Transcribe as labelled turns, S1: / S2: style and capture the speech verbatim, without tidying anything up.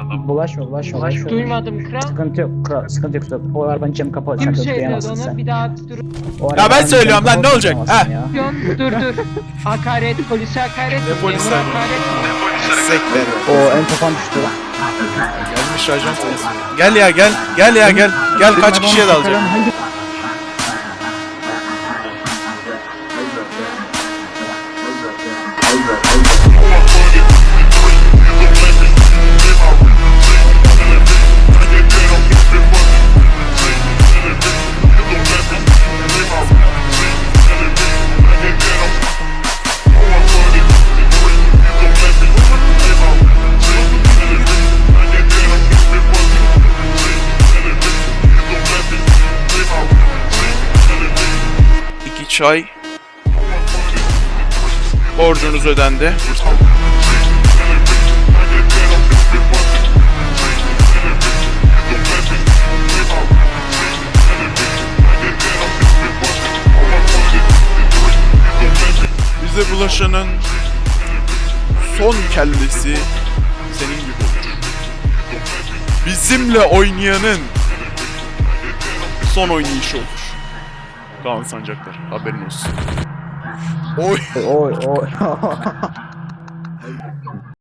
S1: Bulaşma bulaşma bulaşma.
S2: Duymadım kral.
S1: Sıkıntı yok kral, sıkıntı yok. O arabanın camı kapalı.
S2: Kim
S1: Sen
S2: söylüyordu
S1: duyamazsın
S2: onu?
S1: sen.
S2: Bir daha dur.
S1: O
S3: Ya ben
S1: arabanın
S3: söylüyorum
S1: camı
S3: lan, ne
S1: kapalı,
S3: olacak?
S1: duyamazsın
S3: Ha.
S1: ya.
S2: Dur dur. Hakaret, polise hakaret.
S3: Ne polisi?
S2: memura hakaret.
S3: Sekler.
S1: O en kafam düştü.
S3: Gelmiş ajan sayısı. Gel ya gel. Gel ya gel. Gel kaç kişiye dalacak?
S1: Hangi-
S3: İki çay. Borcunuz ödendi. Bize bulaşanın son kellesi senin gibi olur. Bizimle oynayanın son oynayışı olur. Kaan Sancaktar, haberin olsun. Oy.
S1: Oy oy.